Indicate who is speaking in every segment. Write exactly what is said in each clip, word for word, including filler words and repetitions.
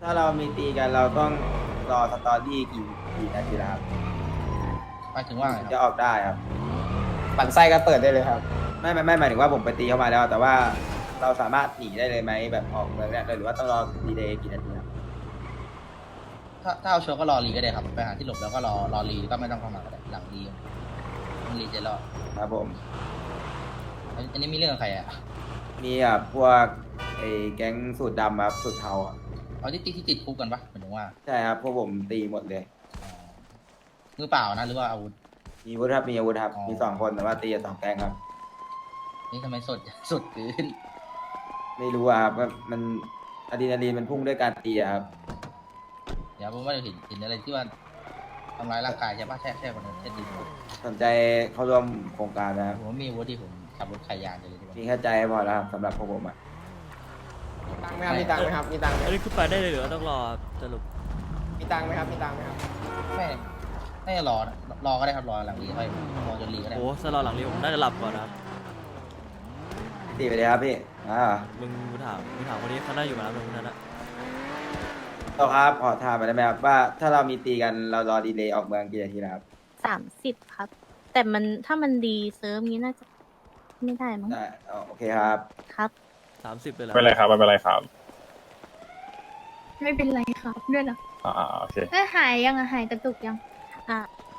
Speaker 1: ถ้าเรามีตีกันเราต้องรอสตอรี่กี่กี่นาทีแล้วครับ
Speaker 2: หมายถึงว่าไง
Speaker 1: ถึง
Speaker 2: ค
Speaker 1: จะ
Speaker 2: รับ
Speaker 1: ออกได้ครับ
Speaker 3: ปั่นไส้ก็เปิดได้เลยครับ
Speaker 1: ไม่ไม่ไม่หมายถึงว่าผมไปตีเข้ามาแล้ว แต่ว่าเราสามารถหนีได้เลยไหมแบบออกเมืองเนี่ยหรือว่าต้องรอดีเลย์กี่นาทีครับ
Speaker 2: ถ้าถ้าเอาชัวร์ก็รอรีก็ได้ครับไปหาที่หลบแล้วก็รอรอรีก็ไม่ต้องเข้ามาก็ได้หลังรีมันรีจะรอด
Speaker 1: ครับผม
Speaker 2: อันอันนี้มีเรื่องกับใครอ่ะ
Speaker 1: มีอ่ะพวกไอ้แก๊งสูตรดำครับสูตรเทาอ่ะ
Speaker 2: เอาที่ติดที่ติดคุกกันปะหมายถึงว่า
Speaker 1: ใช่ครับพวกผมตีหมดเลย
Speaker 2: อ๋อมือเปล่านะหรือว่าอาวุธ
Speaker 1: มีอาวุธครับมีอาวุธครับ
Speaker 2: อ๋อ
Speaker 1: มีสองคนแต่ว่าตีกันสองแก๊งครับ
Speaker 2: นี่ทำไมสดสดเกิน
Speaker 1: ไม่รู้อ่ะครับว่ามันอะดรีนาลีนมันพุ่งด้วยการตีอะครับ
Speaker 2: เดี๋ยวผมว่าจะเห็นเห็นอะไรที่ว่าทำร้ายร่างกายใช่ปะแช่แช่คนนั้นแช่ดิน
Speaker 1: สนใจเข้าร่วมโครงการนะครับ
Speaker 2: ผมว่ามีอาวุธที่ผมขับรถขายยานเลยดีกว่า
Speaker 1: มีแค่ใจพอแล้วครับสำหรับพวกผมอ่ะ
Speaker 3: ตังค์ไหมครับมีตังค์ไหมครับมีตังค์ไหม
Speaker 4: อันนี้คือไปได้เลยหรือว่าต้องรอสรุป
Speaker 3: มีตังค์ไหมครับมีตังค์ไหมครับ
Speaker 2: ไม่ไม่รอนะรอก็ได้ครับรอหลังรีค่อยรอจนรีก็ได้
Speaker 4: โอ้สลอหลังนี้ผมน่าจะหลับก่อนนะครับ
Speaker 1: ตีไปเลยครับพี่อ่า
Speaker 4: มึงมึงถามมึงถามคนนี้เขาน่าอยู่มาแล้วมึงคนนั้นอะ
Speaker 1: ต่อครับขอถามไปได้ไหมครับว่าถ้าเรามีตีกันเรารอดีเลย์ออกเมืองกี่นาทีนะครับ
Speaker 5: สามสิบครับ แต่มันถ้ามันดีเซิร์ฟนี้น่าจะไม่ได้มั้ง
Speaker 1: ได้อ๋อโอเคครับ
Speaker 5: ครับ
Speaker 4: สามสิบเลยเหรอ
Speaker 6: ไม่เป็นไรครับไม่เป็นไรครับ
Speaker 7: ไม่เป็นไรครับด้วยเหรอ
Speaker 6: อ่าโอเค
Speaker 7: เอ้ยหายยังอะหายกระตุกยัง
Speaker 5: อ่ะ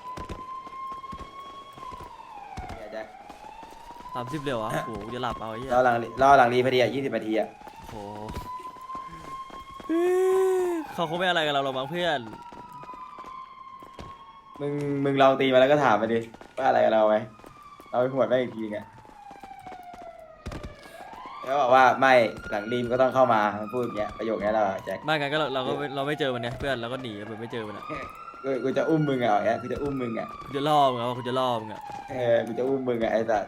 Speaker 1: เดี๋ยวแจ็ค
Speaker 4: สามสิบเร็วอ่ะโอ้โหจะหลับเอาไอ้เหี้ย
Speaker 1: รอหลังรอหลังรีพอดีอ่ะยี่สิบนาทีอ่ะ
Speaker 4: โอ้โหเขาคงไม่อะไรกับเราหรอกมั้งเพื่อน
Speaker 1: มึงมึงลองตีมาแล้วก็ถามมาดิว่าอะไรกับเราไหมเราไปหวดแม่งอีกทีไงแล้วบอกว่าไม่หลังรีมก็ต้องเข้ามามันพูดอย่างเงี้ยประโยคนี้เราแจ็ค
Speaker 4: ไม่งั้นก็เราเราก็ไม่เราไม่เจอมันเนี่ยเพื่อนเราก็หนีแบบไม่เจอมันอะ
Speaker 1: กูกูจะอุ้มมึงอ่ะอย่างเงี้ยกูจะอุ้มมึงอ่ะ
Speaker 4: กูจะล่อมึงอะว่ากูจะล่อมึงอะ
Speaker 1: เออกูจะอุ้มมึงอ่ะไอ้สัส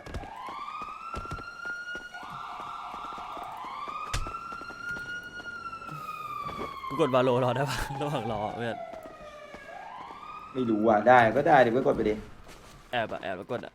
Speaker 4: กูกดบาโลรอได้ปะระหว่างรอเพื่อน
Speaker 1: ไม่รู้อ่ะได้ก็ได้เดี๋ยวก็กดไปดิ
Speaker 4: แอบอะแอบแล้วกดอะ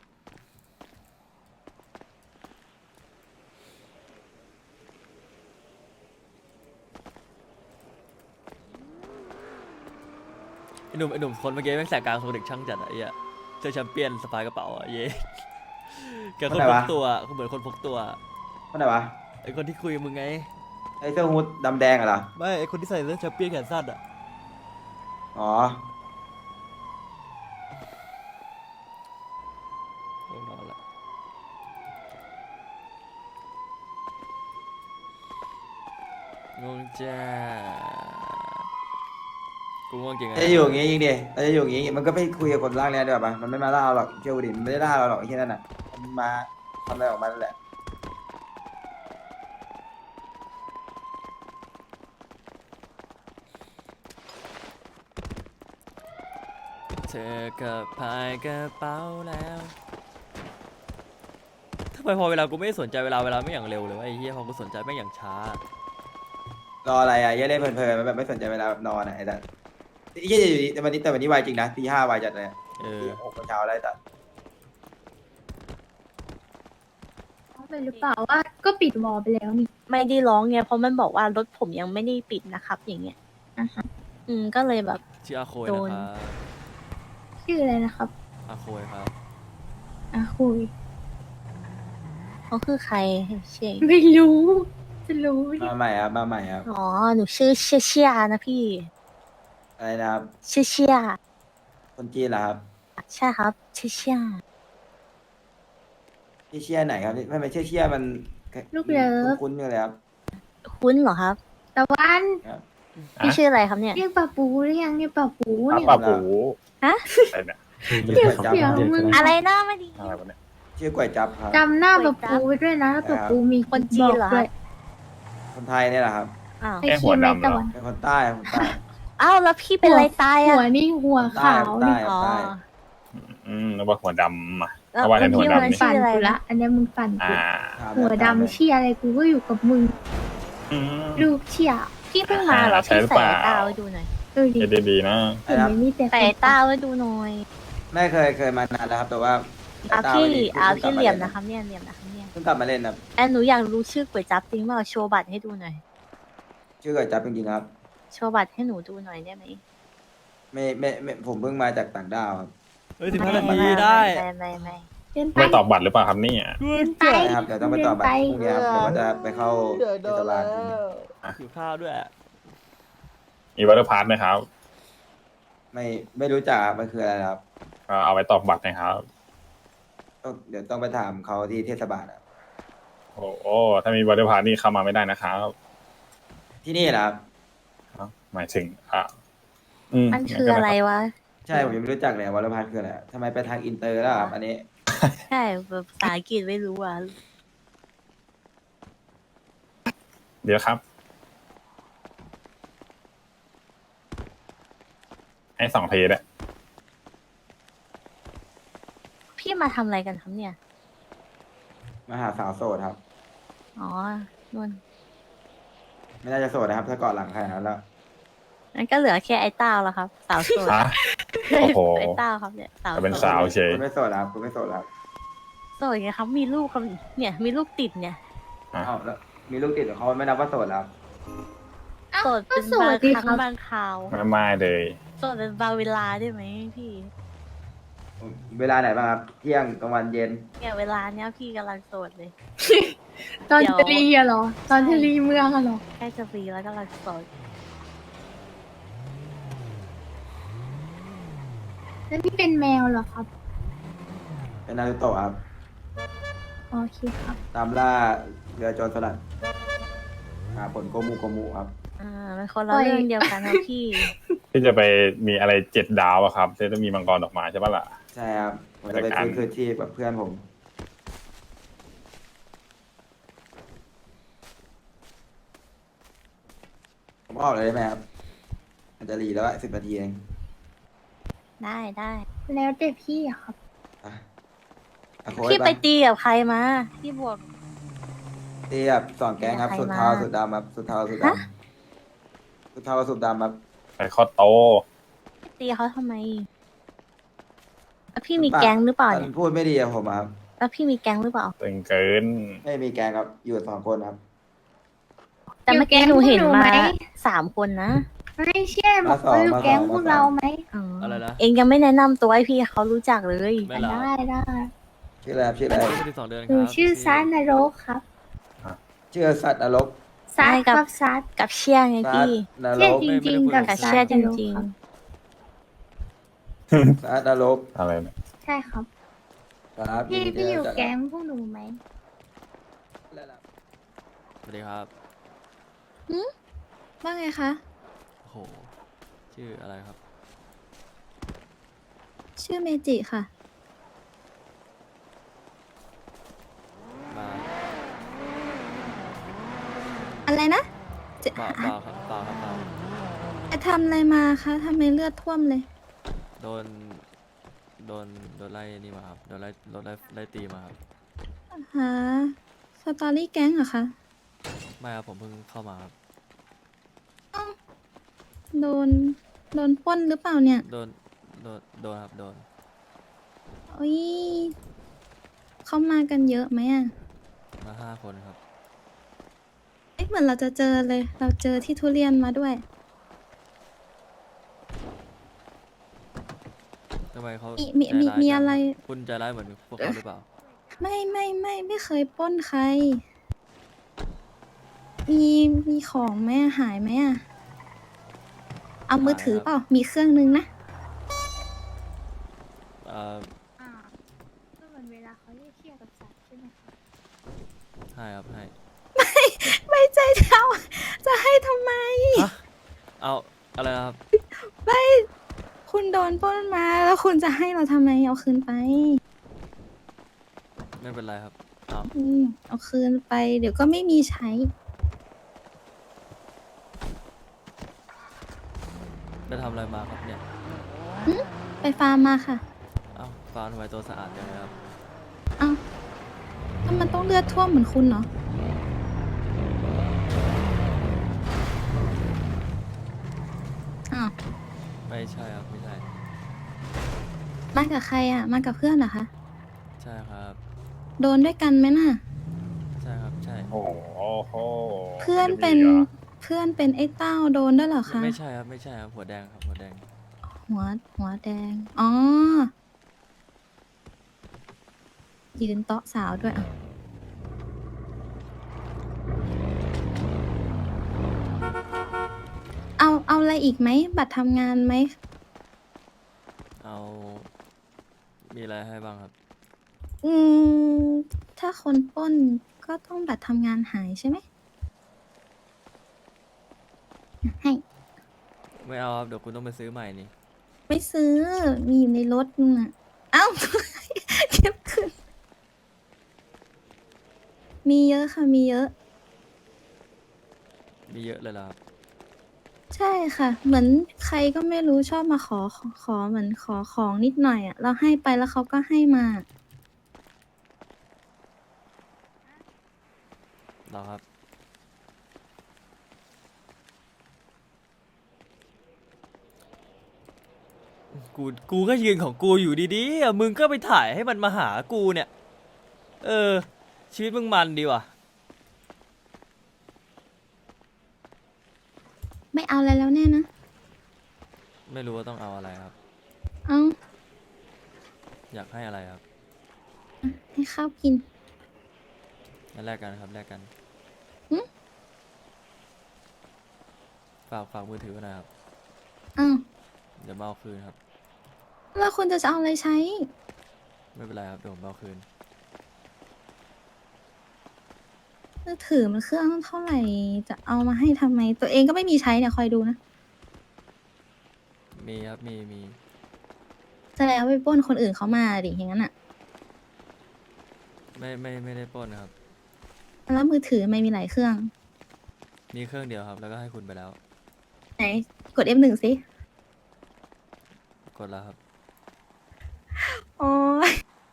Speaker 4: ไอหนุ่มไอหนุ่มคนเมื่อกี้แม่งแสกกลางโซเด็กช่างจัดอะไอ้เหี้ยเจอแชมเปี้ยนสปายกระเป๋าอะเย้แกคนพกตัวเขาเหมือนคนพกตัว
Speaker 1: คนไหนวะ
Speaker 4: ไอคนที่คุยกับมึงไง
Speaker 1: ไอ้เสื้อฮูดดำแดงอะเหรอ
Speaker 4: ไม่ไอคนที่ใส่เสื้อแชมเปี้ยนแขนสั้นอะ
Speaker 1: อ๋อ
Speaker 4: ง่วงนอนละง่วงจ้ากูง่วงจริงอะ
Speaker 1: จะอยู่อย่างงี้จริงดิเราจะอยู่อย่างงี้มันก็ไม่คุยกับคนร่างเนี้ยด้วยป่ะมันไม่มาล่าเราหรอกเชื่อกูดิมันไม่ได้ล่าเราหรอกไอ้ที่นั่นน่ะมันมาทำอะไรออกมานั่นแหละ
Speaker 4: เธอก็พายกระเป๋าแล้วทำไมพอเวลากูไม่สนใจเวลาเวลาไม่อย่างเร็วเลยวะไอ้เหี้ยพอกูสนใจไม่อย่างช้าร
Speaker 1: ออะไรอ่ะเหี้ย่เล่นเพลินๆมันแบบไม่สนใจเวลาแบบนอนอ่ะไอ้สัสไอ้เหี้ยอยู่ดีแต่วันนี้แต่วันนี้ไวจริงนะตีห้าไวจัดเลย
Speaker 4: เออ
Speaker 1: ตีหกโมงเช้าแล้วไอ้สัส
Speaker 7: เป็นหรือเปล่าว่าก็ปิดวอลไปแล้วนี่
Speaker 5: ไม่ได้ร้องไงเพราะมันบอกว่ารถผมยังไม่ได้ปิดนะครับ อย่างเงี้ย
Speaker 7: อ่ะฮะ
Speaker 5: อืมก็เลยแบบ
Speaker 4: ชื่ออาโคย
Speaker 5: โด
Speaker 4: นะ
Speaker 5: น
Speaker 4: ครับ
Speaker 7: ชื่ออะไรนะครับ
Speaker 4: อาโคยครับ
Speaker 7: อ่ะคุย
Speaker 5: เขาคือใครเชง
Speaker 7: ไม่รู้ จะรู้ดิ
Speaker 1: มาใหม่ครับมาใหม่ครับ
Speaker 5: อ๋อหนูชื่อเชียเชียนะพี่
Speaker 1: อะไรนะครับ
Speaker 5: เชียเชีย
Speaker 1: คนจีนเหรอครับ
Speaker 5: ใช่ครับเชียเชีย
Speaker 1: ที่เชียร์ไหนครับไม่ไม่เชื่อเชียร์มัน
Speaker 7: ลูกเลิฟ
Speaker 1: คุ้นๆอยู่เลยครับ
Speaker 5: คุ้นเหรอครับ
Speaker 7: ตะวัน
Speaker 5: พี่ชื่ออะไรครับเนี่ย
Speaker 7: เรียกป่าปูหรือยังเรียกป่าปู
Speaker 6: ป้า
Speaker 7: เนี่ย
Speaker 6: ป้าปู
Speaker 5: ฮะ
Speaker 6: อะไรเนี่ย
Speaker 7: เรียกเสียงมึง
Speaker 5: อะไรหน้าไม่ดี
Speaker 6: อะไรวะเนี่ย
Speaker 1: ชื่อกล้วยจับครับ
Speaker 7: จำหน้าป่าปูไว้ด้วยนะถ้าป่าปูมี
Speaker 5: คนจีนเหรอ
Speaker 7: บอกด้วย
Speaker 1: คนไทยเนี่ยแหละครับ
Speaker 5: อ้าว
Speaker 7: ไอ้ขี้ไม่ตะวัน
Speaker 1: เป็นคนใต้คนใต้
Speaker 5: อ้าวแล้วพี่เป็นอะไรตาย
Speaker 7: หั
Speaker 5: อ่ะ
Speaker 7: วนี่หัวขาว
Speaker 1: ใต้
Speaker 7: นี่
Speaker 5: อ๋อ
Speaker 1: ใต้
Speaker 6: อืมนึกว่าหัวดำอ่ะ
Speaker 5: แล้ว
Speaker 6: เพราะว่า
Speaker 5: คน
Speaker 6: ในหัว
Speaker 5: ที่
Speaker 6: ดำ
Speaker 5: วัน
Speaker 6: นี่
Speaker 5: ชื่
Speaker 7: ปั่
Speaker 5: อน อะไร
Speaker 7: กูละ
Speaker 5: นะ
Speaker 7: อันนี้มึงปั่น
Speaker 6: อ่า
Speaker 7: กู
Speaker 1: ถาม
Speaker 7: หัว
Speaker 1: ถาม
Speaker 7: ดำเชี่ยอะไรกูก็อยู่กับมึง
Speaker 6: อืม
Speaker 7: ลูกเชี่ย
Speaker 5: พี่เพิ่งมาเหรอ
Speaker 6: ใช่
Speaker 5: พี่
Speaker 6: หรือ
Speaker 5: ใส่
Speaker 6: เปล่า
Speaker 5: ตาไว้ดูหน่อย
Speaker 7: เออดิ
Speaker 6: เอดีๆนะ
Speaker 7: เห็นไหมมีแต่
Speaker 5: ใส่ตาไว้ดูหน่อย
Speaker 1: ไม่เคยเคยมานานแล้วครับแต่ว่า
Speaker 5: อ่ะ
Speaker 1: ตา
Speaker 5: พี่
Speaker 1: ไม่ดี
Speaker 5: อ่ะ
Speaker 1: พิ่งก
Speaker 5: พี่
Speaker 1: บ
Speaker 5: เห
Speaker 1: มา
Speaker 5: ลี่ยมนะครับเนี่ยเหลี่ยมนะครับเนี่ย
Speaker 1: เพิ่งกลับมาเล่นครับ
Speaker 5: แอนหนูอยากรู้ชื่อก๋วยจั๊บจริงเปล่าโชว์บัตรให้ดูหน่อย
Speaker 1: ชื่อกล้วยจับจริงๆครับ
Speaker 5: โชว์บัตรให้หนูดูหน่อยได้ไหม
Speaker 1: ไม่ไม่ไม่ผมเพิ่งมาจากต่างดาวครับ
Speaker 4: เฮ้ยสิบห้านาทีได้
Speaker 5: ไม่ไม่ไม่
Speaker 7: เดินไป
Speaker 6: ไม่ตอบบัตรหรือเปล่าครับเนี่ย
Speaker 7: เดินไป
Speaker 1: ใช่ครับเดี๋ยวต้องไปต่อบัตรพรุ่งนี้ครับเดี๋ยวว่าจะไปเข้าเทศบาลพรุ่งนี้
Speaker 4: อยู่ข้าวด้วย
Speaker 6: มีวัตถุพาร์ทไหมครับ
Speaker 1: ไม่ไม่รู้จักครับมันคืออะไรครับ
Speaker 6: ก็เอาไว้ตอบบัตรนะครับ
Speaker 1: ต้องเดี๋ยวต้องไปถามเขาที่เทศบาลครับ
Speaker 6: โอ้โหถ้ามีวัตถุพาร์ทนี่เข้ามาไม่ได้นะครับ
Speaker 1: ที่นี่นะครับ
Speaker 6: เอ้าหมายถึงอ่ะอื
Speaker 5: มันคืออะไรวะ
Speaker 1: ใช่ผมยังไม่รู้จักเลยวอลพัทคืออะไรทำไมไปทางอินเตอร์แล้วครับอันนี้
Speaker 5: ใช่แบบภาษาอังกฤษไม่รู้อ่ะ
Speaker 6: เดี๋ยวครับ ให้สองทีเลย
Speaker 5: พี่มาทำอะไรกันครับเนี่ย
Speaker 1: มาหาสาวโสดครับ
Speaker 5: อ๋อนุ่น
Speaker 1: ไม่น่าจะโสดนะครับ ถ้าเกาะหลังใครนั้นแล้ว
Speaker 5: นั่นก็เหลือแค่ไอ้เต้าแล้วครับ สาวโสด
Speaker 6: ฮะ โอ้โห
Speaker 5: ไอ้เต้าครับเนี่ยสาว
Speaker 6: จะเป็น
Speaker 5: โส
Speaker 6: สา
Speaker 5: ด
Speaker 6: วเฉย
Speaker 1: คุณไม่โสดครับคุณไม่โสดครับ
Speaker 5: โสดไงครับ มีลูกครับเนี่ยมีลูกติดเนี่ย
Speaker 6: อ่ะ
Speaker 1: เอ้าแล้วมีลูกติดของเขาไม่นับว่าโสดแล้ว
Speaker 7: เอ้า
Speaker 5: โสด
Speaker 7: ก็
Speaker 5: เป็น
Speaker 7: โส
Speaker 5: บา
Speaker 7: ด
Speaker 5: ง
Speaker 7: ดี
Speaker 5: ค
Speaker 7: ค
Speaker 5: รั้
Speaker 7: รั
Speaker 5: ง
Speaker 7: บ
Speaker 5: บางคราว
Speaker 6: ไม่ไม่เลย
Speaker 5: โสดเป็นบางเวลาได้ไหมพี่
Speaker 1: เวลาไหนบ้างครับ เที่ยงกลางวันเย็น
Speaker 5: เนี่ยเวลาเนี้ยพี่กำลังโสดเลย
Speaker 7: ตอน
Speaker 5: เดี๋ยว
Speaker 7: จะรีอะเหรอ ตอนจะรีเมืองอะเหรอ
Speaker 5: ใกล้จะปีแล้วกำลังโสด
Speaker 7: แล้วนี่เป็นแมวเหรอครับ
Speaker 1: เป็นนารูโตะครับ
Speaker 7: โอเคครับ
Speaker 1: ตามล่าเรือโจรสลัดหาผลโกมูโกมูครับ
Speaker 5: อ่ามันคนละ
Speaker 7: โอ้ย
Speaker 5: เรื่องเดียวกันครับพี่
Speaker 6: ที่จะไปมีอะไรเจ็ดดาวอะครับที่จะมีมังกรออกมาใช่ปะล่ะ
Speaker 1: ใช่ครับผมจะไปฟื้นคืนชีพกับเพื่อนผม ผมออกเลยได้ไหมครับ มันจะรีแล้วสิบนาทีเอง
Speaker 5: ได้ได้
Speaker 7: แล้วแต่พี่อะครับ
Speaker 1: อ่ะอ่ะโค้ช
Speaker 5: พี่ไป
Speaker 1: ไป
Speaker 5: ตีกับใครมา พี่บวก
Speaker 1: ตีแบบสองแก๊งครับ
Speaker 5: ใคร
Speaker 1: สุด
Speaker 5: มา
Speaker 1: เทาสุดดำครับ สุดเทาสุดด
Speaker 5: ฮะ
Speaker 1: ำสุดเทาสุดดำครับ
Speaker 6: ไปข้อโต
Speaker 5: ตีเขาทำไม แล้วพี่มีแก๊งหรือเปล่า
Speaker 1: มั
Speaker 5: เนี่ย
Speaker 1: นพูดไม่ดีกับผมอะครับ
Speaker 5: แล้วพี่มีแก๊งหรือเปล่า
Speaker 6: ตึงเกิน
Speaker 1: ไม่มีแก๊งครับ อยู่สองคนครับ
Speaker 5: แต่เมื่อกี้
Speaker 7: อยู่
Speaker 5: หนู
Speaker 7: แก๊ง
Speaker 5: เห็น
Speaker 7: พวกหนู
Speaker 5: มา
Speaker 7: ไหม
Speaker 5: สามคนนะ
Speaker 7: ไม่ใช่บอกว่าอยู่แก๊งพวกเราไหม
Speaker 5: อ๋อ
Speaker 4: อะไรนะ
Speaker 5: เองยังไม่แนะนำตัวให้พี่เขารู้จักเลย
Speaker 4: ไม่หรอ
Speaker 7: ได้ได้
Speaker 1: ชื่ออะไรครับชื่ออะไร
Speaker 4: สิบสองเดือนค
Speaker 7: หนู
Speaker 4: รับ
Speaker 7: ชื่อซานนรกครับ
Speaker 1: ชื่อสัตว์นรก
Speaker 7: ซัดครับซัด
Speaker 5: กับเชี่ยไง
Speaker 1: สัต
Speaker 5: พี่
Speaker 1: ว์นร
Speaker 7: เชี่ย
Speaker 1: ก
Speaker 7: จริงๆกับ
Speaker 5: กับ
Speaker 7: ซัด
Speaker 5: เชี่ยจ
Speaker 7: นรก
Speaker 5: ริง
Speaker 7: ครับ
Speaker 1: สัตว์นรก
Speaker 6: อะไรเนี่ย
Speaker 7: ใช่ครับ
Speaker 1: ครับ
Speaker 7: พี่
Speaker 1: นดี
Speaker 7: พี่
Speaker 1: ที่
Speaker 7: อยู่
Speaker 1: ได้รู้จั
Speaker 7: แก๊งพวกหนูไหม
Speaker 4: สวัสดีครับ
Speaker 8: ว่าไงคะ
Speaker 4: โอ้โห ชื่ออะไรครับ
Speaker 8: ชื่อเมจิค่ะ
Speaker 4: มา
Speaker 8: อะไรนะจะ
Speaker 4: เปล่าเปล่าครับเปล่าครับเปล่า
Speaker 8: จะทำอะไรมาคะทำไมเลือดท่วมเลย
Speaker 4: โดน โดน โดนไล่นี่มาครับ โดนไล่โดนไล่ไล่ตีมาครับ
Speaker 8: หาสตอรี่แก๊งเหรอคะ
Speaker 4: ไม่ครับผมเพิ่งเข้ามาครับ
Speaker 8: โดน โดนปล้นหรือเปล่าเนี่ย
Speaker 4: โดน โดน โดนครับ โดน
Speaker 8: โอ้ยเขามากันเยอะไหมอ่ะ
Speaker 4: มาห้าคนครับ
Speaker 8: เอ๊ะเหมือนเราจะเจอเลย เราเจอที่ทุเรียนมาด้วย
Speaker 4: ทำไมเขา
Speaker 8: มีมี
Speaker 4: ใจร้าย
Speaker 8: มี
Speaker 4: จัง
Speaker 8: อะไร
Speaker 4: คุณใจร้ายเหมือนพวกเขาหรือเปล่า
Speaker 8: ไม่ไม่ไม่ไม่เคยปล้นใคร มีมีของไหมอะหายไหมอ่ะ เอามือถือเปล่า มีเครื่องนึงนะ
Speaker 4: เอ่อ
Speaker 7: อ่าก็เหมือนเวลาเขาเรียกเชี่ยกับสัตว์ใช่ไหมคะ
Speaker 4: ให้ครับให้
Speaker 8: ไม่ใจเจ้าจะให้ทำไม
Speaker 4: ฮะ เอาอะไรนะครับ
Speaker 8: ไม่คุณโดนปล้นมาแล้วคุณจะให้เราทำไม เอาคืนไป
Speaker 4: ไม่เป็นไรครับเอา
Speaker 8: อืมเอาคืนไป เดี๋ยวก็ไม่มีใช้
Speaker 4: ได้ทำอะไรมาครับเนี่ย
Speaker 8: ไปฟาร์มมาค่ะ
Speaker 4: เอ้าฟาวทำไมตัวสะอาดจังเลยครับ
Speaker 8: เอาถ้ามันต้องเลือดท่วมเหมือนคุณเนาะอ้าว
Speaker 4: ไม่ใช่ครับ ไม่ใช่
Speaker 8: มากับใครอ่ะ มากับเพื่อนเหรอคะ
Speaker 4: ใช่ครับ
Speaker 8: โดนด้วยกันไหมน่ะ
Speaker 4: ใช่ครับ ใช่
Speaker 6: โอ้โห
Speaker 8: เพื่อนเป็น
Speaker 6: จะมีหรอ
Speaker 8: เพื่อนพื่อนเป็นไอ้เต้าโดนด้วยเหรอคะ
Speaker 4: ไม่ใช่ครับไม่ใช่ครับหัวแดงครับหัวแดง
Speaker 8: หัวหัวแดง อ๋อ ยืนโต๊ะสาวด้วยอ่ะ เอาเอาอะไรอีกไหม บัตรทำงานไหม
Speaker 4: เอามีอะไรให้บ้างครับ
Speaker 8: อืม ถ้าคนปล้นก็ต้องบัตรทำงานหายใช่ไหม ให้
Speaker 4: ไม่เอาครับเดี๋ยวคุณต้องไปซื้อใหม่นี่
Speaker 8: ไม่ซื้อ มีอยู่ในรถน่ะ เอ้า เก็บคืนมีเยอะค่ะ มีเยอะ
Speaker 4: มีเยอะเลยเหรอครับ
Speaker 8: ใช่ค่ะ เหมือนใครก็ไม่รู้ชอบมาขอขอขอเหมือนขอของนิดหน่อยอ่ะ เราให้ไปแล้วเขาก็ให้มา
Speaker 4: เหรอครับกูกูก็ยืนของกูอยู่ดีๆอ่ะมึงก็ไปถ่ายให้มันมาหากูเนี่ย เออ ชีวิตมึงมันดีว่ะ
Speaker 8: ไม่เอาอะไรแล้วแน่นะ
Speaker 4: ไม่รู้ว่าต้องเอาอะไรครับ
Speaker 8: เอา
Speaker 4: อยากให้อะไรครับ
Speaker 8: ให้ข้าวกิน
Speaker 4: งั้นแลกกันครับแลกกัน
Speaker 8: หึ
Speaker 4: ฝากฝากมือถือไว้หน่อยครับ
Speaker 8: เอา
Speaker 4: เดี๋ยวมาเอาคืนครับ
Speaker 8: แล้วคุณจะเอาอะไรใช้
Speaker 4: ไม่เป็นไรครับเดี๋ยวผมเอาคืน
Speaker 8: มือถือมันเครื่องเท่าไหร่ จะเอามาให้ทำไม ตัวเองก็ไม่มีใช้เนี่ยคอยดูนะ
Speaker 4: มีครับมีมี
Speaker 8: แสดงว่าไปปล้นคนอื่นเขามาดิอย่างนั้นอ่ะ
Speaker 4: ไม่ไม่ไม่ได้ปล้นครับ
Speaker 8: แล้วมือถือไม่มีหลายเครื่อง
Speaker 4: มีเครื่องเดียวครับ แล้วก็ให้คุณไปแล้ว
Speaker 8: ไหน กด เอฟ หนึ่ง สิ
Speaker 4: กดแล้วครับ
Speaker 8: โอ้ย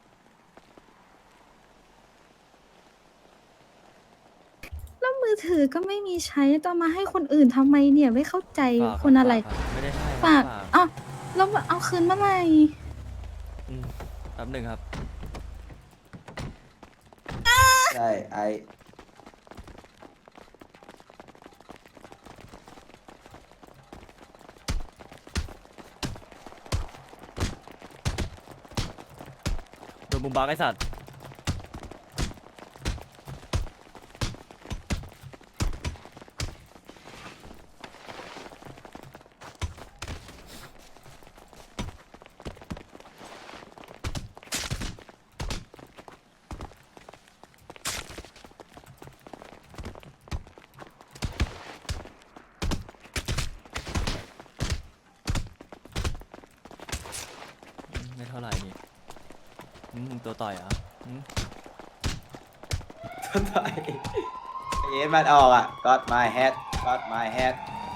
Speaker 8: แล้วมือถือก็ไม่มีใช้ต้องมาให้คนอื่นทำไมเนี่ยไม่เข้าใจ
Speaker 4: ฝาก
Speaker 8: คนอะไร
Speaker 4: ฝากครับไม่ได้ให้
Speaker 8: ฝาก
Speaker 4: ฝาก
Speaker 8: อ้าวแล้วเอาคืนเมื่อไหร่
Speaker 4: อืมแป๊บหนึ่งครับ
Speaker 1: ใช่ไอ
Speaker 4: โดนบุมบักไอสัตว์ ไม่เท่าไหร่นี่อืมตัวต่อยเหรอ่ะ
Speaker 1: ต้นไม้เอ็นมันออกอ่ะ got my head got my head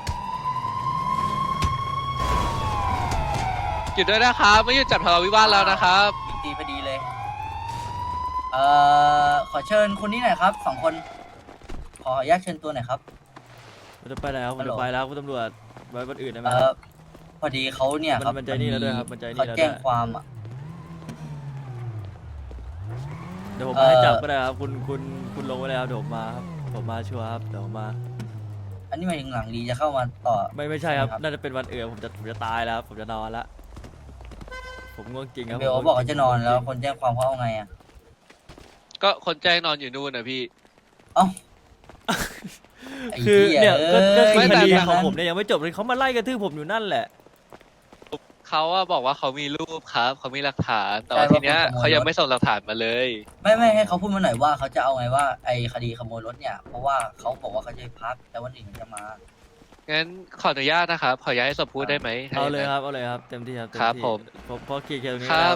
Speaker 9: หยุดด้วยนะครับไม่หยุดจับทะเลาะวิวาทแล้วนะครับ
Speaker 2: ตีพอดีเลย เอ่อ ขอเชิญคนนี้หน่อยครับสองคน ขออนุญาตเชิญตัวหน่อยครับ
Speaker 4: ผมจะไปแล้วผม
Speaker 2: ฮัลโหล
Speaker 4: จะไปแล้วคุณตำรวจไว้วันอื่นได้ไหม
Speaker 2: เอ่
Speaker 4: ค
Speaker 2: อ
Speaker 4: รับ
Speaker 2: พอดีเขาเนี่ยครับ
Speaker 4: มันมันใจนี่แล้วด้วยครับมันใจนี่
Speaker 2: เขา
Speaker 4: แล้วด้วย
Speaker 2: แจ้งความอ่ะ
Speaker 4: เดี๋ยวผม
Speaker 2: เอ่
Speaker 4: มา
Speaker 2: อ
Speaker 4: ให้จับก็ได้ครับคุณคุณคุณลงไว้เลยครับเดี๋ยวผมมาครับผมมาชัวร์ครับเดี๋ยวผมมา
Speaker 2: อันนี้หมายถึงหลังดีจะเข้ามาต่อ
Speaker 4: ไม่ไม่ใช่ครับ
Speaker 2: ใช่ครับ
Speaker 4: น่าจะเป็นวันอื่นผมจะผมจะตายแล้วครับผมจะนอนละผมง่วงจริงครับ
Speaker 2: เบล
Speaker 4: ผมง่วง
Speaker 2: บอกว่าจะนอน
Speaker 4: จริง
Speaker 2: แล้วคนแจ้งความเขาเอาไงอ่ะ
Speaker 9: ก็คนแจ้งนอนอยู่นู่นนะพี่
Speaker 2: เอ้าไอ้
Speaker 4: คือ
Speaker 2: หี้
Speaker 4: เนี่ยก็ก็คือ
Speaker 9: ไม่
Speaker 4: ค
Speaker 9: แต่
Speaker 4: ดี
Speaker 9: แต่
Speaker 4: ของผมเนี่ยยังไม่จบเลยเขามาไล่กระทืบผมอยู่นั่นแหละ
Speaker 9: เขาอะบอกว่าเขามีรูปครับเขามีหลักฐาน แต่ว่าทีเนี้ยเขายังไม่ส่งหลักฐานมาเลย
Speaker 2: ไม่ไม่ให้เขาพูดมาหน่อยว่าเขาจะเอาไงว่าไอ้คดีขโมยรถเนี่ย เพราะว่าเขาบอกว่าเขาจะพักแต่วันอื่นเขาจะมา
Speaker 9: งั้นขออนุญาตนะครับขออนุญาตให้สมพูดได้ไหมถ้
Speaker 4: เอาเลย
Speaker 9: ง
Speaker 4: ค
Speaker 9: นั้น
Speaker 4: รับเอาเลยครับเต็มที่ครับเต็ม
Speaker 9: ครับ
Speaker 4: ที่
Speaker 9: ผม
Speaker 4: ผมพอเคลียร์เคลียร์ตรงนี้
Speaker 9: ครั
Speaker 4: แล้ว
Speaker 9: บ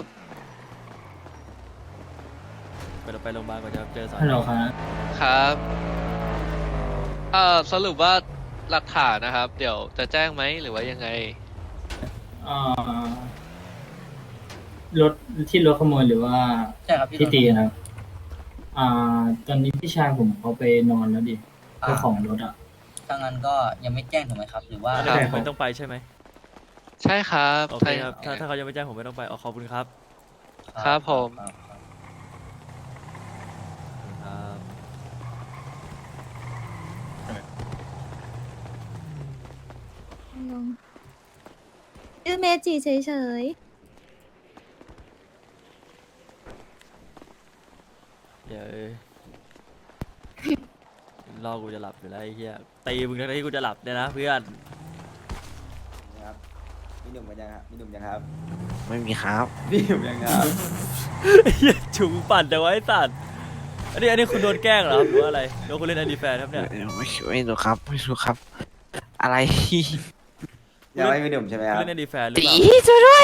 Speaker 4: ไปเราไปโรงพยาบาลก่อนจะเจอสอน
Speaker 10: ฮัลโหลครับ
Speaker 9: ครับเอ่อสรุปว่าหลักฐานนะครับ เดี๋ยวจะแจ้งไหมหรือว่ายังไง
Speaker 10: อ่ารถที่รถขโมยหรือว่า
Speaker 2: ใช่ครับ
Speaker 10: ที่ตีนะครับ อ่า ตอนนี้พี่ชายผมเขาไปนอนแล้วดิเจ้าของรถอ่ะ
Speaker 2: ถ้างั้นก็ยังไม่แจ้งถูกไหมครับ หรือว่า
Speaker 4: อัน
Speaker 9: ครั
Speaker 4: นี้
Speaker 9: บ
Speaker 4: ผมไม่ต้องไปใช่ไหม
Speaker 9: ใช่ครับ
Speaker 4: โอเค
Speaker 9: ใช่
Speaker 4: ครับถ้าถ้าเขายังไม่แจ้งผมไม่ต้องไปอ๋อขอบคุณครับ
Speaker 9: ครับผม
Speaker 2: ครับ
Speaker 4: ขอบคุณครับ
Speaker 8: งงชื่อเมจิเฉย
Speaker 4: เดี๋ยวรอกูจะหลับอยู่แล้วไอ้เหี้ยตีมึงทั้งที่กูจะหลับเนี่ยนะเพื่อน
Speaker 1: นะครับมีหนุ่มกันยังครับมีหนุ่มยังครับ
Speaker 11: ไม่มีครับ
Speaker 1: มีหนุ่มยังครับ
Speaker 4: ไอ้เหี้ยฉุงปั่นแต่ไว้สัตว์อันนี้อันนี้คุณโดนแกล้งเหรอครับหรือว่าอะไรโดนคุณเล่นไอดีแฟนครับเนี่ย
Speaker 11: ไม่ไม่รู้ครับ ไม่รู้ครับ อะไร
Speaker 1: ยังไม่มีหนุ่มใช่ไหมค
Speaker 4: คุณ
Speaker 1: รับ
Speaker 4: เล่นไอดีแฟนหรือ
Speaker 11: ตี
Speaker 4: เปล่า
Speaker 11: ช่วยด้วย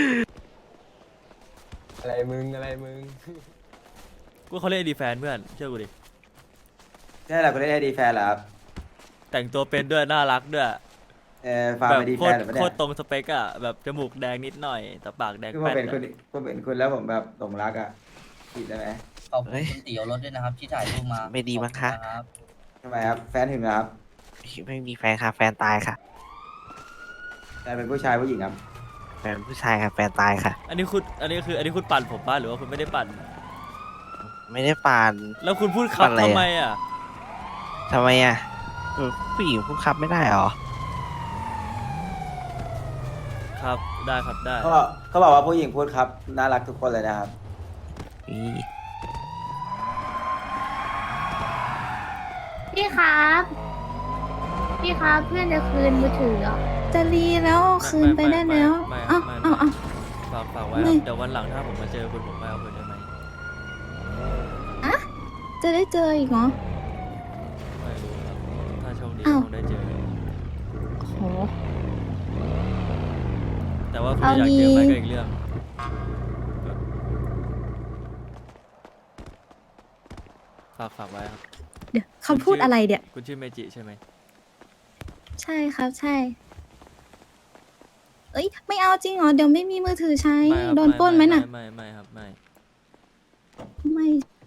Speaker 3: อะไรมึงอะไรมึง
Speaker 4: กูเขาเล่นไอดีแฟนเพื่อนเชื่อกูดิ
Speaker 1: ใช่เหรอคุณได้ไอดีแฟนเหรอครับ
Speaker 4: แต่งตัวเป็นด้วยน่ารักด้วย
Speaker 1: เออฟาร์ม
Speaker 4: แบบ
Speaker 1: ไอดี
Speaker 4: โค
Speaker 1: แฟ
Speaker 4: ต
Speaker 1: น
Speaker 4: ร
Speaker 1: หรือเปล่า
Speaker 4: โค
Speaker 1: เนี่
Speaker 4: ตร
Speaker 1: ย
Speaker 4: ตรงสเปกอะแบบจมูกแดงนิดหน่อยแต่ปากแดง
Speaker 1: คือผม
Speaker 4: แป๊ด
Speaker 1: เป็นคุณ
Speaker 4: อะ
Speaker 1: ผมเป็นคุณแล้วผมแบบหลงรักอ่ะผิดได้ไหม
Speaker 2: ขอบคุณคุณตีเอารถด้วยนะครับ ที่ถ่ายรูปมา
Speaker 11: ไม่ดีมั้งคะ
Speaker 2: ขอบณรับ
Speaker 1: ทำไมครับแฟนถึงเหรอครับ
Speaker 11: ไม่มีแฟนค่ะ แฟนตายค่ะ
Speaker 1: แต่เป็นผู้ชายผู้หญิงครับ
Speaker 11: แฟนผู้ชายค่ะ แฟนตายค่ะ
Speaker 4: อันนี้คุณอันนี้คืออันนี้คุณปั่นผมป้าหรือว่าคุณไม่ได้ปั่น
Speaker 11: ไม่ได้ปาน
Speaker 4: แล้วคุณพูดขับ
Speaker 11: ปั่นอะไรอะ
Speaker 4: ทำไมอ่ะ
Speaker 11: ทำไมอ่ะเออผู้หญิงพูดครับไม่ได้เหรอ
Speaker 4: ครับได้ครับได้
Speaker 1: เขาบอกเขาบอกว่าผู้หญิงพูดครับน่ารักทุกคนเลยนะครับ
Speaker 11: อี
Speaker 7: ๆพี่ครับ พี่ครับเพื่อนจะคืนมือถือเหรอ
Speaker 8: ๆ จะรีแล้วเอาคืนไปได้แล้ว
Speaker 4: ไม่
Speaker 8: เอ้า
Speaker 4: ไม่
Speaker 8: เอ้า
Speaker 4: ไม่
Speaker 8: เอ้า
Speaker 4: ฝากฝากไว้
Speaker 8: ไม่
Speaker 4: ครับเดี๋ยววันหลังถ้าผมมาเจอคุณผมไปเอาคืนได้ไหม
Speaker 8: จะได้เจออีกเหรอ
Speaker 4: ไม่รู้ครับถ้าโชคดี
Speaker 8: อ้าว
Speaker 4: คงได้เจอ
Speaker 8: โห
Speaker 4: แต่ว่าคุณ
Speaker 8: เอา
Speaker 4: อยากเจอไหม
Speaker 8: งี้
Speaker 4: ก็อีกเรื่องฝากฝากไว้ครับ
Speaker 8: เดี๋ยวคำพูดอะไรเดี๋ยว
Speaker 4: คุณชื่อเมจิใช่ไหม
Speaker 8: ใช่ครับใช่ เอ้ย ไม่เอาจริงเหรอ เดี๋ยวไม่มีมือถือใช้
Speaker 4: ไม่ครับ
Speaker 8: โดนปล้นไหมน่ะ
Speaker 4: ไม่ไม่ไม่ครับไม่
Speaker 8: ไม่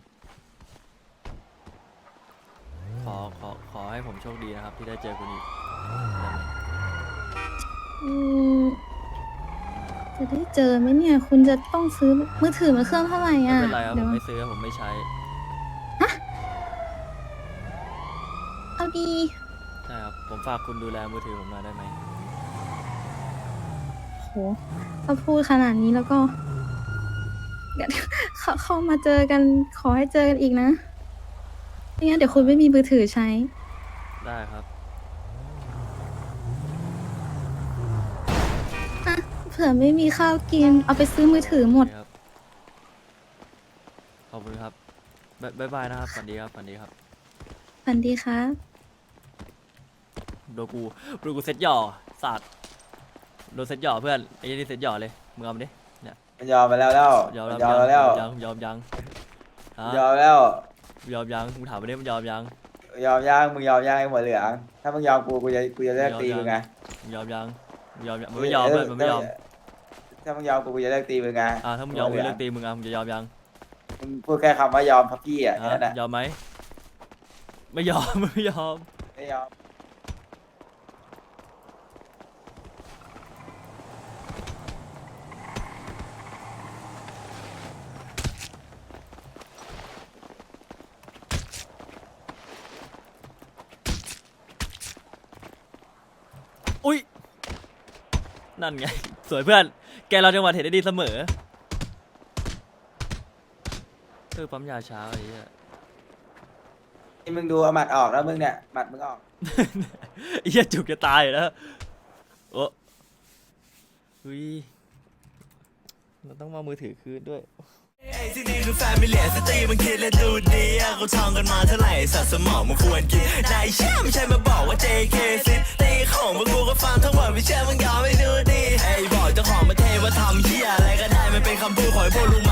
Speaker 4: ขอขอขอให้ผมโชคดีนะครับ ที่ได้เจอคุณอีกได้ไหม
Speaker 8: อืมจะได้เจอไหมเนี่ย คุณจะต้องซื้อมือถือมาเครื่องเท่าไหร่
Speaker 4: ไม่
Speaker 8: อ่ะ
Speaker 4: เป็นไรครับผ
Speaker 8: เดี๋ยว
Speaker 4: มไม่ซื้อผมไม่ใช้
Speaker 8: เอาดี
Speaker 4: ใช่ครับผมฝากคุณดูแลมือถือผมหน่อยได้ไหม
Speaker 8: โหถ้าพูดขนาดนี้แล้วก็ เดี๋ยวเขาเข้ามาเจอกัน ขอให้เจอกันอีกนะไม่งั้นเดี๋ยวคุณไม่มีมือถือใช้
Speaker 4: ได้ครับ
Speaker 8: อ่ะ เผื่อไม่มีข้าวกิน เอาไปซื้อมือถือหมด
Speaker 4: โอเคครับขอบคุณครับบ๊ายบ๊ายบายนะครับฝันดีครับฝันดีครับ
Speaker 8: สวัสดีครับ
Speaker 4: โดนกูโดนกูเซ็ตหย่อสัตว์โดนเซ็ตหย่อเพื่อนไอ้นี่เซ็ตหย่อเลยมึงเอามาดิเนี่ย
Speaker 1: มันยอมไปแล้วแล้ว
Speaker 4: ยอม
Speaker 1: มัน
Speaker 4: แล้ว
Speaker 1: ยอมแล้วแล้ว
Speaker 4: ยังยอมยังฮะ
Speaker 1: ยอมแล้ว
Speaker 4: ยอมยังมึงถามมาดิมึงยอมยัง
Speaker 1: ยอมย่างมึงยอมย่างไอ้หัวเหลืองถ้ามึงยอมกูกูจะกูจะเลิกตีมึงไง
Speaker 4: มึงยอมยังมึงยอมยังมึงไม่ยอมเพื่อนมึงไม่ยอม
Speaker 1: ถ้ามึงยอมกูกูจะเลิกตีมึงไง
Speaker 4: อ่าถ้ามึงยอมมึงเลิกตีมึงอ่ะมึงจะยอมยัง
Speaker 1: มึงพูดแค่คำว่ายอมพับพี่อ่ะแค่
Speaker 4: ฮะ
Speaker 1: นั้นแหละ
Speaker 4: ยอมไหมไม่ยอม ไม่ยอม
Speaker 1: ไม่ยอม
Speaker 4: อุ้ยนั่นไง สวยเพื่อนแกเราจังหวะเห็นได้ดีเสมอเออปั๊มยาช้าไอ้เหี้ย
Speaker 1: นี่มึงดูเอาหมัดออกแล้วมึงเนี่ยหมัดมึงออก
Speaker 4: ไอ้เหี้ยจุกจะตายอยู่แล้วโอ้อุ้ยเราต้องมามือถือคืนด้วย
Speaker 12: ที่นี่คือแฟมิเลียสตรีมันคิดและดูดีอะเขาท่องกันมาเท่าไหร่สัตว์สมองมันควรกินนายเชื่อไม่ใช่มาบอกว่า เจ เค ซิตีของพวกกูก็ฟังทั้งหมดไม่เชื่อมึงยอมไม่ดูดีไอ้บอกเจ้าของประเทศว่าทำเหี้ยอะไรก็ได้มันเป็นคำพูดของไอ้พวกลุง